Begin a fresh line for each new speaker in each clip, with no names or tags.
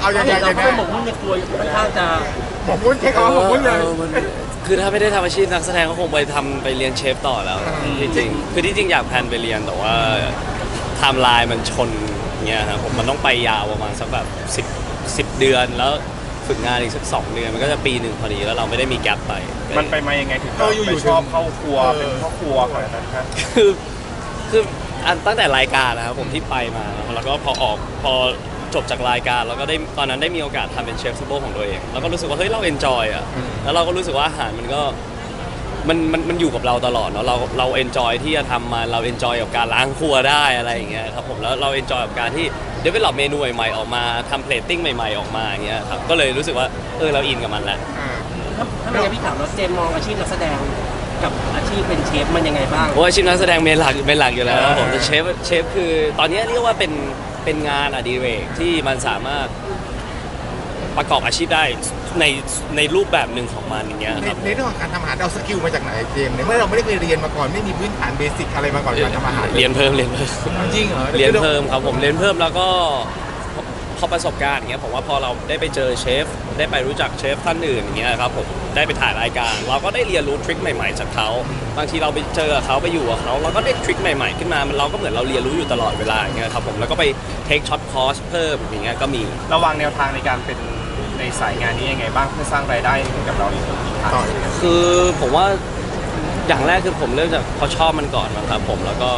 เอาอย่างไร
เรา
กัน
ก็
แน่
หมกมุ่นในครัวค่อนข้างจะ
หมกมุ่นใช่เขาหมกมุ่นเลย
คือถ้าไม่ได้ทำอาชีพนักแสดงก็คงไปเรียนเชฟต่อแล้วจริงๆคือที่จริงอยากแพลนไปเรียนแต่ว่าไทม์ไลน์มันชนเงี้ยครับผมมันต้องไปยาวประมาณสักแบบ10เดือนแล้วฝึกงานอีกสัก2 เดือนมันก็จะปีหนึ่งพอดีแล้วเราไม่ได้มีแกลบไป
มันไปมายังไงถึงไปชอบเข้าครัวเป็นพ่อครัวขนาดนั้นครับ
คืออันตั้งแต่รายการนะครับผมที่ไปมาแล้วก็พอจบจากรายการเราก็ได้ตอนนั้นได้มีโอกาสทำเป็นเชฟซูเปอร์ของตัวเองแล้วก็รู้สึกว่าเฮ้ยเราเอนจอยอ่ะแล้วเราก็รู้สึกว่าอาหารมันก็มันอยู่กับเราตลอดเนาะเราเอนจอยที่จะทำมาเราเอนจอยกับการล้างครัวได้อะไรอย่างเงี้ยครับผมแล้วเราเอนจอยกับการที่เดเวลลอปเมนูใหม่ๆออกมาทำเพลตติ้งใหม่ๆออกมาอย่างเงี้ยครับก็เลยรู้สึกว่าเราอินกับมันแหละ
ถ้าไม่งั้นพี่ถามว่าเจมมองอาชีพนักแสดงกับอาชีพเป็นเชฟมันยังไงบ้าง
โอ้อาชีพนักแสดงเป็นหลักอยู่แล้วครับผมแต่เชฟคือตอนนี้เรียกว่าเป็นงานอดิเรกที่มันสามารถประกอบอาชีพได้ในรูปแบบหนึ่งของมันอย่างเงี้ยครับ
ในเรื่องของการทำอาหารเอาสกิลมาจากไหนเจมส์เนี่ยเมื่อเราไม่ได้เคยเรียนมาก่อนไม่มีพื้นฐานเบสิกอะไรมาก่อนการทำอาหาร
เรียนเพิ่ม
จริงเหรอ
เรียนเพิ่มครับผมเรียนเพิ่มแล้วก็พอประสบการณ์อย่างเงี้ยผมว่าพอเราได้ไปเจอเชฟได้ไปรู้จักเชฟท่านอื่นอย่างเงี้ยครับผมได้ไปถ่ายรายการเราก็ได้เรียนรู้ทริคใหม่ๆจากเขาบางทีเราไปเจอเขาไปอยู่กับเขาเราก็ได้ทริคใหม่ๆขึ้นมาเราก็เหมือนเราเรียนรู้อยู่ตลอดเวลาอย่างเงี้ยครับผมแล้วก็ไปเทคช็อตคอร์สเพิ่มอย่างเงี้ยก็มี
ระวางแนวทางในการเป็นในสายงานนี้ยังไงบ้างเพื่อสร้างรายได้ให้กับเราในส่วนนี้ครับ
คือผมว่าอย่างแรกคือผมเริ่มจากพอชอบมันก่อนนะครับผมแล้วก็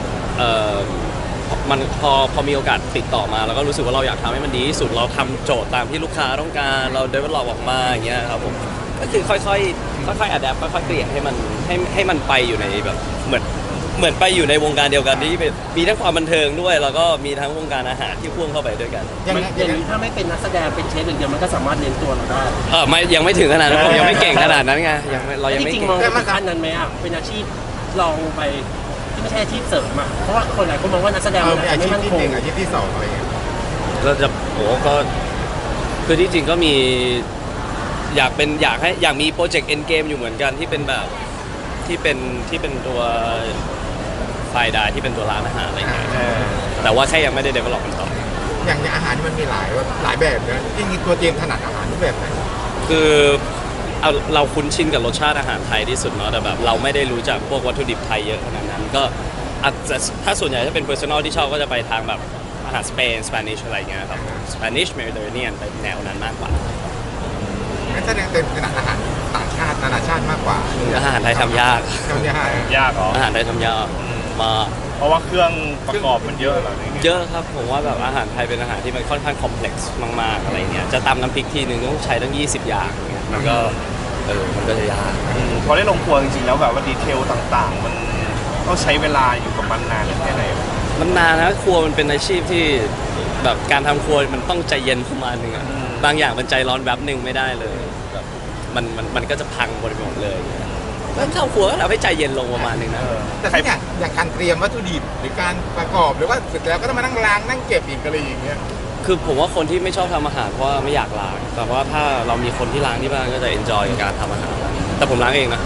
มันพอมีโอกาสติดต่อมาแล้วก็รู้สึกว่าเราอยากทำให้มันดีที่สุดเราทำโจทย์ตามที่ลูกค้าต้องการเราเดเวลลอปออกมาอย่างเงี้ยครับผมก็คือค่อยๆอัดแอปค่อยๆเปลี่ยนให้มันไปอยู่ในแบบเหมือนไปอยู่ในวงการเดียวกันที่มีทั้งความบันเทิงด้วยแล้วก็มีทั้งวงการอาหารที่พ่วงเข้าไปด้วยกัน
ยัง
มัน
ไง
อย่างนี้ถ้าไม่เป็นนักแสดงเป็นเชฟอย่างเดียวมันก็สามารถเรียนตัวเราได้
ไม่ยังไม่ถึงขนาดนั้นผมยังไม่เก่งขนาดนั้นไงเรายัง
จ
ไม่
ริง
เก่
ๆ
ง
มองเป็นขั้นนั้นไหมอ่ะเป็นอาชีพลองไปที่ไม่ใช่อาชีพเสริมอ่ะเพราะว่าคนหลายคนมองว่านักแสดง
เออ
มัน
เป็น
อาจ
อา
จะ
ชี
ไม่
พ
มั่น
ที่
ค
ห
ง
นึ่งอาชีพที่สองอะไรเงี้ย
เราจะก็คือที่จริงก็มีอยากมีโปรเจกต์เอ็นเกมอยู่เหมือนกันที่เป็นแบบที่เป็นตัวไฟล์ได้ที่เป็นตัวร้านอาหารอะไรเงี้ยแต่ว่าแค่ยังไม่ได้ develop มันต่อ
อย่างอาหารนี่มันมีหลายแบบนะจริงๆตัวเจมส์ถนัดอาหารรูปแบบไหน
คือเราคุ้นชินกับรสชาติอาหารไทยที่สุดเนาะแต่แบบเราไม่ได้รู้จักพวกวัตถุดิบไทยเยอะขนาดนั้นก็อาจจะถ้าส่วนใหญ่ถ้าเป็น personal ที่ชอบก็จะไปทางแบบอาหารสเปนสเปนิชอะไรเงี้ยครับสเปนิชเมดิเตอร์เรเนียนไปแนวนั้นมากกว่า
งั้นแสดงเป็นถนัดอาหารต่างชาตินานาชาติมากกว่า
อาหารไทยทำยาก
ทำยาก
ยากเหรอ
อาหารไทยทำยากมาก
เพราะว่าเครื่องประกอบมันเยอะเหรอ
เยอะครับผมว่าแบบอาหารไทยเป็นอาหารที่มันค่อนข้างคอมเพล็กซ์มากๆอะไรเงี้ยจะตำน้ำพริกทีนึงต้องใช้ตั้ง20 อย่างเงี้ยมันก็จะยาก
พอได้ลงครัวจริงๆแล้วแบบว่าดีเทลต่างๆ มันต้องใช้เวลาอยู่กับมันนานแค่ไหน
มันนานนะครัวมันเป็นอาชีพที่แบบการทำครัวมันต้องใจเย็นประมาณนึงอะบางอย่างมันใจร้อนแวบหนึ่งไม่ได้เลยแบบมันก็จะพังหมดเลยแล้วเข้าครัวก็เราให้ใจเย็นลงประมาณนึงนะ
แต่ที่อย่างการเตรียมวัตถุดิบหรือการประกอบหรือว่าเสร็จแล้วก็ต้องมานั่งล้างนั่งเก็บอีกอะไรอย่างเงี้ย
คือผมว่าคนที่ไม่ชอบทำอาหารเพราะว่าไม่อยากล้างแต่ว่าถ้าเรามีคนที่ล้างที่บ้านก็จะเอนจอยกับการทำอาหารแต่ผมล้างเองนะ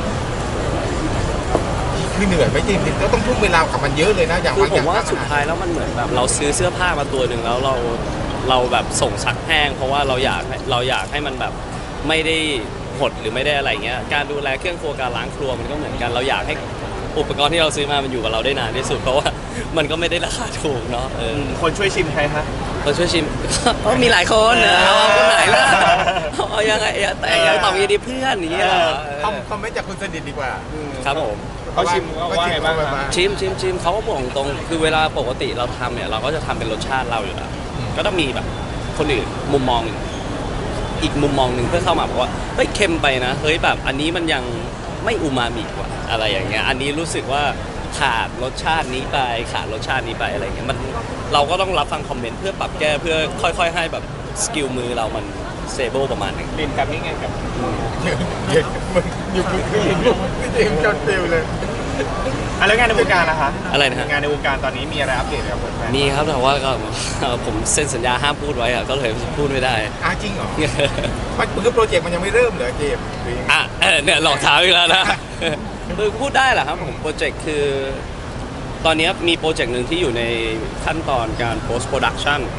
คือเหนื่อยไหมจริงๆก็ต้องทุ่มเวลากับมันเยอะเลยนะอย่างาง
คือบผ
อย่าม ง
ว่าสุดท้ายแล้วมันเหมือนแบบเราซื้อเสื้อผ้ามาตัวหนึ่งแล้วเราแบบส่งซักแห้งเพราะว่าเราอยากให้มันแบบไม่ได้หดหรือไม่ได้อะไรเงี้ยการดูแลเครื่องครัวการล้างครัวมันก็เหมือนกันเราอยากให้อุปกรณ์ที่เราซื้อมามันอยู่กับเราได้นานที่สุดเพราะว่ามันก็ไม่ได้ราคาถูกเนาะ
คนช่วยชิมใครฮะ
เราช่วยชิม ก็มีหลายคนนะเอาคนไหนล่ะเอายังไงแต่ยังตอบยังดีเพื่อนอย่างเงี้ย
คอมเมนต์จากคนสนิทดีกว่า
ครับผม
เขาชิมว่าไงบ้างครับ
ชิมเขาก็บอกตรงคือเวลาปกติเราทำเนี่ยเราก็จะทำเป็นรสชาติเราอยู่แล้วก็ต้องมีแบบคนอื่นมุมมองอีกมุมมองหนึ่งเพื่อเข้ามาบอกว่าเฮ้ยเค็มไปนะเฮ้ยแบบอันนี้มันยังไม่อูมามิกว่าอะไรอย่างเงี้ยอันนี้รู้สึกว่าขาดรสชาตินี้ไปขาดรสชาตินี้ไปอะไรเงี้ยมันเราก็ต้องรับฟังคอมเมนต์เพื่อปรับแก้เพื่อค่อยๆให้แบบสกิลมือเรามันสเตเบิลประมาณนึง
เรียนกับนี่ไงกับ
มึงอยู่มึงเจมส์จนติวเลย
แล้วงานในวงการนะคะ
อะไรนะฮะ
งานในวงการตอนนี้มีอะไรอัปเดตไหมครับผม
มีครับแต่ว่าก็ ผมเซ็นสัญญาห้ามพูดไว้อะก็เลยพูดไม่ได้
จริงเหรอมันคือโปรเจกต์มันยังไม่เริ่มเหรอเจมส์หรือยังไง
เนี่ยหลอกถามอีกแล้วนะ คือพูดได้แหละครับผมโปรเจกต์คือตอนนี้มีโปรเจกต์หนึ่งที่อยู่ในขั้นตอนการ post production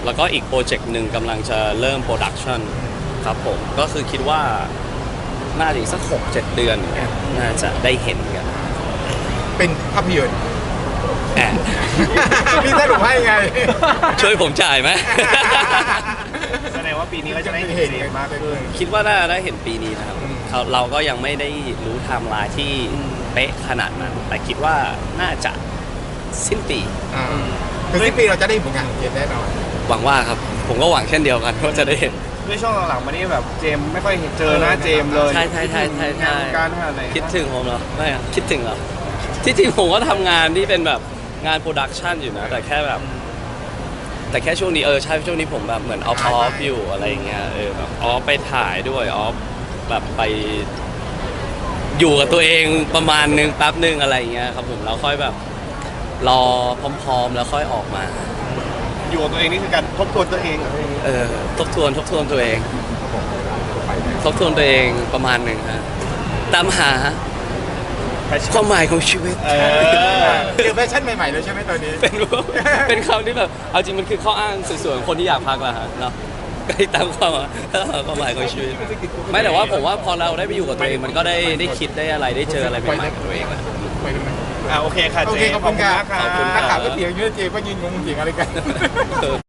แล้วก็อีกโปรเจกต์หนึ่งกำลังจะเริ่มโปรดักชันครับผมก็คือคิดว่าน่าจะอีกสัก 6-7 เดือนอย่างเงี้ยน่าจะได้เห็นกัน
เป็นภาพยนตร์
แอบ
พี่สรุปให้ไง
ช่วยผมจ่ายไหม
แสดงว่าปีนี้ก็จะได้เห็นเจมส์มากขึ้น
คิดว่าน่าจะได้เห็นปีนี้นะครับเราก็ยังไม่ได้รู้ไทม์ไลน์ที่เป๊ะขนาดนั้น แต่คิดว่าน่าจะสิ้นปี
คือสิ้นปีเราจะได้ผลงานของเจมส์แน่นอน
หวังว่าครับ ผมก็หวังเช่นเดียวกันว่าจะได้เห็น
ด้วยช่วงหลังๆมานี่แบบเจมส์ไม่ค่อยเห็นเจอหน้าเจมส์เลย
ใช่ใช่ใช่ใช่ใช่
การขนาดไหน
คิดถึงผมเหรอไม่อะคิดถึงเหรอที่จริงผมก็ทำงานที่เป็นแบบงานโปรดักชันอยู่นะแต่แค่แบบ แต่แค่ช่วงนี้ใช่ช่วงนี้ผมแบบเหมือนออฟอยู่อะไรอย่างเงี้ยแบบออฟไปถ่ายด้วยออฟแบบไปอยู่กับตัวเองประมาณนึงแป๊บนึงอะไรอย่างเงี้ยครับผมแล้วค่อยแบบรอพร้อมๆแล้วค่อยออกมา
อยู่กับตัวเองนี่คือการทบทวนตัวเองเหรอ
ทบทวนตัวเองทบทวนตัวเองประมาณหนึ่งฮะตามหาความหมายของชีวิต
เจอแฟชั่นใหม่ๆเลยใช่ไหมตอนนี้
เป็นคำที่แบบเอาจริงมันคือข้ออ้างสวยๆของคนที่อยากพักแหละฮะเนาะก็ตามความหมายของชีวิตไม่แต่ว่าผมว่าพอเราได้ไปอยู่กับตัวเองมันก็ได้คิดได้อะไรได้เจออะไรใหม่ๆกับตัวเองอะ
โอเคค่ะ
โอ
เจ
เค
มส์
ขอบคุณครับ
ขอบคุณ
นัก
ค
ข่า
รั
ว
บ
ก็เถียงเยอะเจมส์ก็ยืนงงเถียงอะไรกัน